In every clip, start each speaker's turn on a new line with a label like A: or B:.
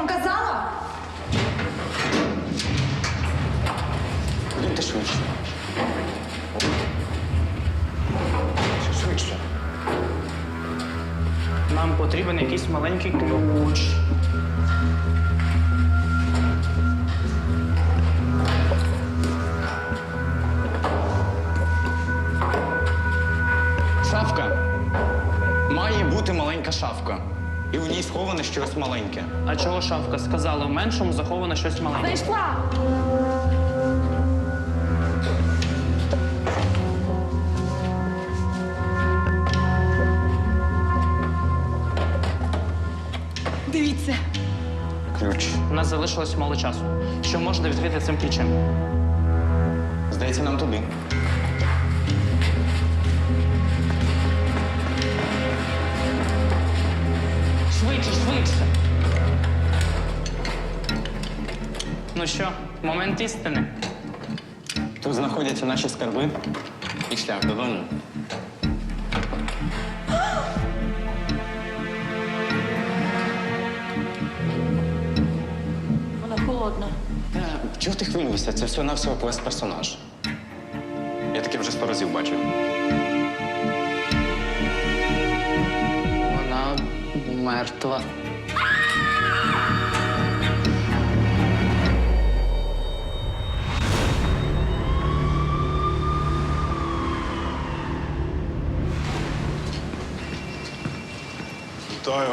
A: вам казала?
B: Ходіть швидше. Швидше.
C: Нам потрібен якийсь маленький ключ.
B: Шафка. Має бути маленька шафка. І в ній сховане щось маленьке.
C: А чого шафка сказала? В меншому заховано щось маленьке.
A: Знайшла. Дивіться.
B: Ключ.
C: У нас залишилось мало часу. Що можна відкрити цим ключем?
B: Здається, нам туди.
C: Швидше, швидше. Ну що, момент істини.
B: Тут знаходяться наші скарби і шлях додому.
A: Вона холодна.
B: Чого ти хвилюєшся? Це всього-навсього квест-персонаж. Я таке вже 100 разів бачив.
C: Вона мертва.
D: Вітаю.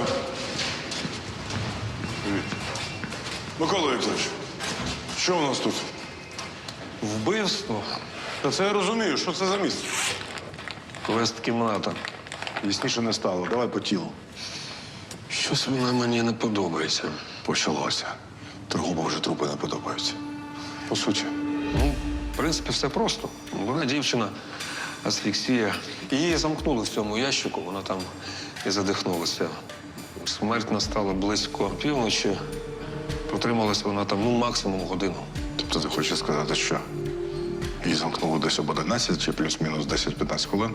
D: Привіт. Микола Вікторович, що у нас тут?
E: Вбивство?
D: Та це я розумію, що це за місце?
E: Квест-кімната.
D: Ясніше не стало. Давай по тілу.
E: Щось вона мені не подобається.
D: Почалося. Торгубу вже трупи не подобаються. По суті.
E: Ну, в принципі, все просто. Вона дівчина, асфіксія. Її замкнули в цьому ящику, вона там і задихнулася. Смерть настала близько півночі. Протрималася вона там, максимум годину.
D: Тобто ти хочеш сказати, що її замкнуло десь об 11 чи плюс-мінус 10-15 хвилин?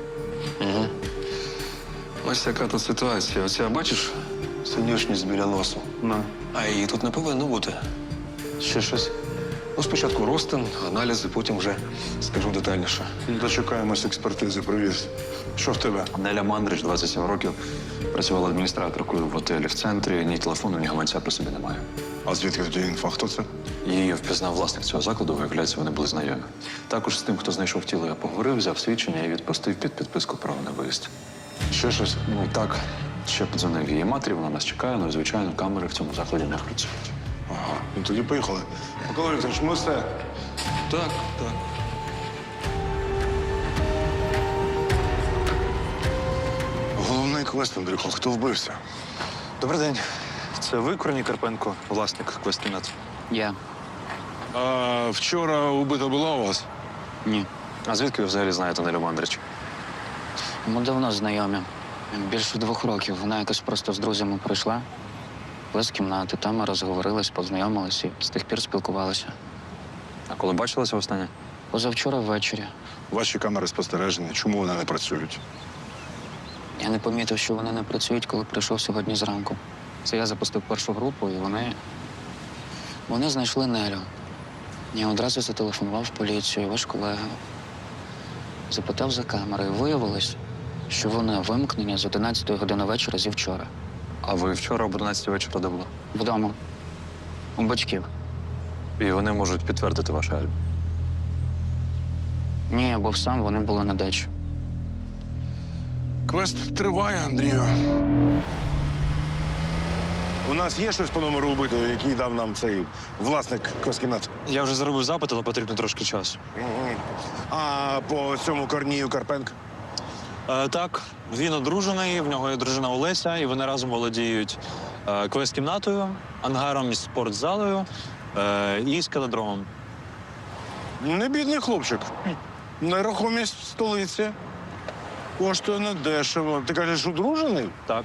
E: Ось яка тут ситуація. Оця, бачиш, синюшність біля носу. А її тут не повинно бути.
B: Ще щось?
E: Ну, спочатку розтин, аналізи, потім вже скажу детальніше.
D: Дочекаємось експертизи. Привіт. Що в тебе?
F: Неля Мандрич, 27 років, працювала адміністраторкою в готелі в центрі. Ні телефону, ні гаманця при собі немає.
D: А звідки тоді інфа? Хто це?
F: Її впізнав власник цього закладу, виявляється, вони були знайомі. Також з тим, хто знайшов тіло, я поговорив, взяв свідчення і відпустив під підписку право на виїзд.
D: Ще щось?
F: Ну так, ще подзвонив її матері, вона нас чекає, але, звичайно, камери в цьому закладі не працюють.
D: Ага. Ну тоді поїхали. Микола Вікторович, ми все.
E: Так, так.
D: Головний квест, Андрюхо. Хто вбився?
G: Добрий день. Це ви, Корній Карпенко, власник квест-кімнат?
C: Я.
D: А вчора убита була у вас?
F: Ні. А звідки ви взагалі знаєте Нелю Мандрич?
H: Ми давно знайомі. Більше 2 років. Вона якось просто з друзями прийшла. З кімнати, там ми розговорились, познайомились і з тих пір спілкувалися.
F: А коли бачилися останнє?
H: Позавчора ввечері.
D: Ваші камери спостереження. Чому вони не працюють?
H: Я не помітив, що вони не працюють, коли прийшов сьогодні зранку. Це я запустив першу групу, і вони знайшли Нелю. Я одразу зателефонував в поліцію, ваш колега. Запитав за камери, і виявилось, що вони вимкнені з 11 години вечора зі вчора.
F: А ви вчора об 11 вечора де були?
H: Вдома. У батьків.
F: І вони можуть підтвердити ваше алібі.
H: Ні, я був сам, вони були на дачі.
D: Квест триває, Андрію. У нас є щось по номеру убитого, який дав нам цей власник квест-кімнат?
G: Я вже зробив запит, але потрібно трошки часу.
D: А по цьому Корнію Карпенко?
G: Так, він одружений, в нього є дружина Олеся, і вони разом володіють квест-кімнатою, ангаром із спортзалою і скалодромом.
D: Не бідний хлопчик. Нерухомість в столиці. Коштує недешево. Ти кажеш, одружений?
G: Так.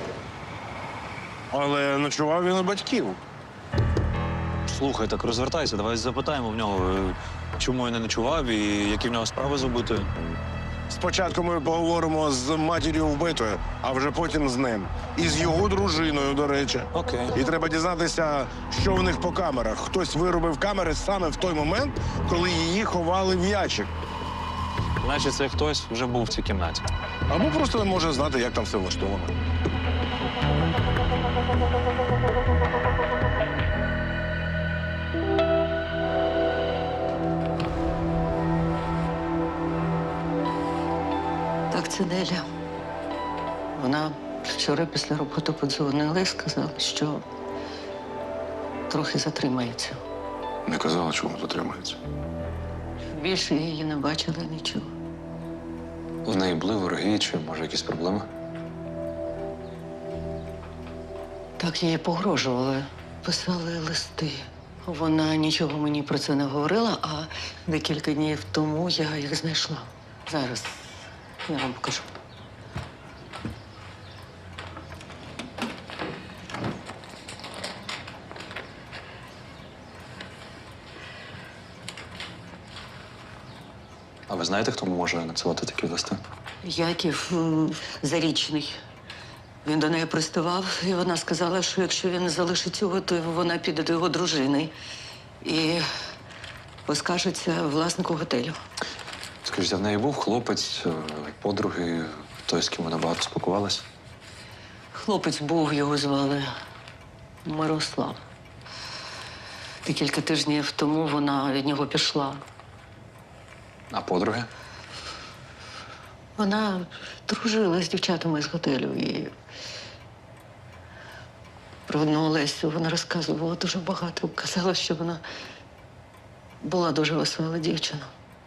D: Але ночував він у батьків.
G: Слухай, так розвертайся, давай запитаємо в нього, чому він не ночував і які в нього справи з убитою.
D: Спочатку ми поговоримо з матір'ю вбитої, а вже потім з ним. І з його дружиною, до речі.
G: Окей.
D: І треба дізнатися, що у них по камерах. Хтось виробив камери саме в той момент, коли її ховали в ящик.
G: Значить, це хтось вже був в цій кімнаті.
D: Або просто не може знати, як там все влаштовано.
I: Так, це Неля. Вона вчора після роботи подзвонила і сказала, що трохи затримається.
D: Не казала, чому затримається.
I: Більше її не бачила нічого.
F: В неї були вороги чи, може, якісь проблеми?
I: Так їй погрожували, писали листи. Вона нічого мені про це не говорила, а декілька днів тому я їх знайшла. Зараз я вам покажу.
F: А ви знаєте, хто може надсилати такі листи?
I: Яків Зарічний. Він до неї приставав, і вона сказала, що якщо він залишить його, то вона піде до його дружини і поскаржиться власнику готелю.
F: Скажіть, а в неї був хлопець, подруги, той, з ким вона багато спілкувалася?
I: Хлопець був, його звали Мирослав. Декілька тижнів тому вона від нього пішла.
F: А подруги?
I: Вона дружила з дівчатами з готелю і про одну Олесю вона розказувала дуже багато. Казала, що вона була дуже весела дівчина.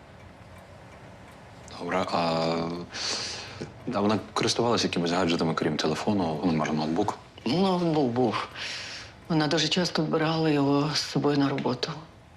F: Добре, а вона користувалася якимись гаджетами, крім телефону, ну, може, ноутбук?
I: Ноутбук був. Вона дуже часто брала його з собою на роботу.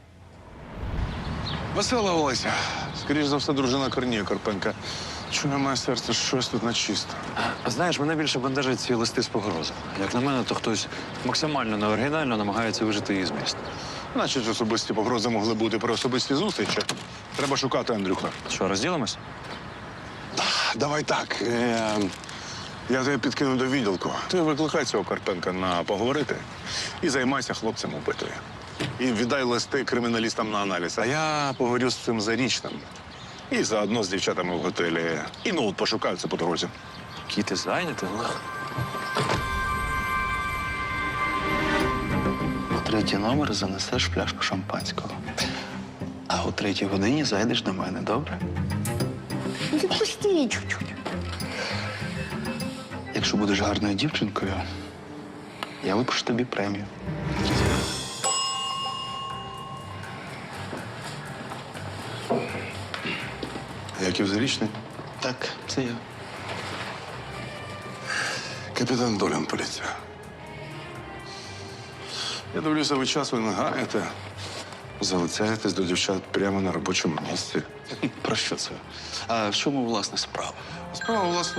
D: Весела Олеся. Скоріш за все, дружина Корнія Карпенка. Чує моє серце, щось тут нечисто.
F: Знаєш, мене більше бентежать ці листи з погрозами. Як на мене, то хтось максимально неоригінально намагається вижити її зміст.
D: Значить, особисті погрози могли бути при особистій зустрічі. Треба шукати Андрюха.
F: Що, розділимось?
D: Давай так. Я тебе підкину до відділку. Ти викликай цього Карпенка на поговорити і займайся хлопцем убитої. І віддай листи криміналістам на аналіз. А я поговорю з цим Зарічним. І заодно з дівчатами в готелі. І ноут пошукаю це по дорозі.
F: Який ти зайнятий?
J: У третій номер занесеш пляшку шампанського. А о 3-й годині зайдеш до мене, добре?
I: Відпусти чуть-чуть.
J: Якщо будеш гарною дівчинкою, я випишу тобі премію.
D: Яків Зарічний?
J: Так, це я.
D: Капітан Долян, поліція. Я дивлюся, ви часу не гаєте. Залицяєтесь до дівчат прямо на робочому місці.
J: Про що це? А в чому, власне, справа?
D: Справа, власне.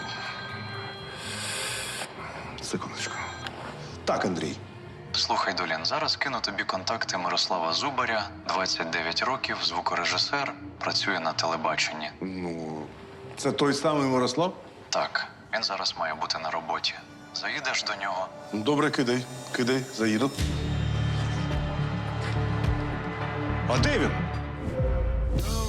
D: Секундочку. Так, Андрій.
F: Слухай, Долін, зараз кину тобі контакти Мирослава Зубаря, 29 років, звукорежисер, працює на телебаченні.
D: Ну, це той самий Мирослав?
F: Так, він зараз має бути на роботі. Заїдеш до нього?
D: Добре, кидай, заїду. А де він?